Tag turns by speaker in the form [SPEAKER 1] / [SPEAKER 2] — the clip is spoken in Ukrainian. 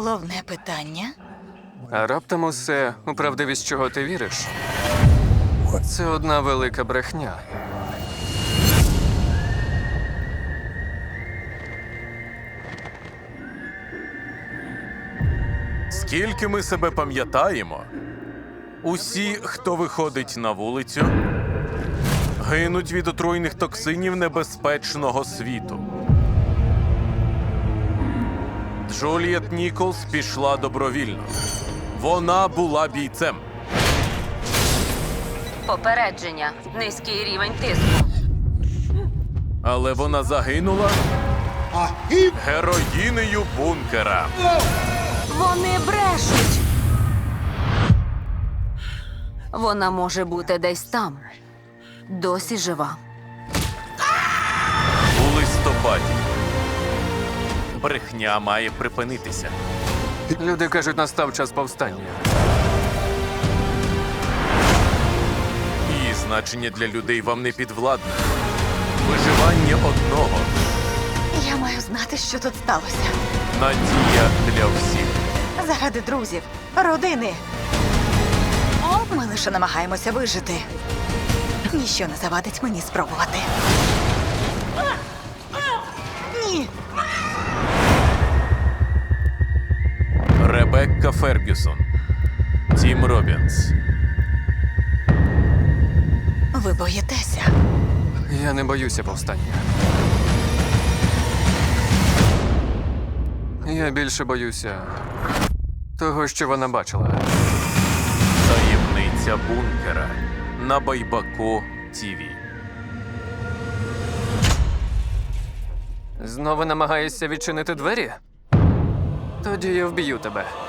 [SPEAKER 1] Головне питання.
[SPEAKER 2] А раптом усе, у правдивість чого ти віриш, це одна велика брехня.
[SPEAKER 3] Скільки ми себе пам'ятаємо, усі, хто виходить на вулицю, гинуть від отруйних токсинів небезпечного світу. Джуліет Ніколс пішла добровільно. Вона була бійцем.
[SPEAKER 4] Попередження. Низький рівень тиску.
[SPEAKER 3] Але вона загинула героїнею бункера.
[SPEAKER 4] Вони брешуть. Вона може бути десь там. Досі жива.
[SPEAKER 3] У листопаді. Брехня має припинитися.
[SPEAKER 2] Люди кажуть, настав час повстання.
[SPEAKER 3] Її значення для людей вам не підвладне. Виживання одного.
[SPEAKER 1] Я маю знати, що тут сталося.
[SPEAKER 3] Надія для всіх.
[SPEAKER 1] Заради друзів, родини. Ми лише намагаємося вижити. Ніщо не завадить мені спробувати. Ні.
[SPEAKER 3] Ребекка Фергюсон. Тім Робінс.
[SPEAKER 1] Ви боїтеся.
[SPEAKER 2] Я не боюся повстання. Я більше боюся того, що вона бачила.
[SPEAKER 3] Таємниця бункера. На Байбако ТВ.
[SPEAKER 2] Знову намагаєшся відчинити двері? Тоді я вб'ю тебе.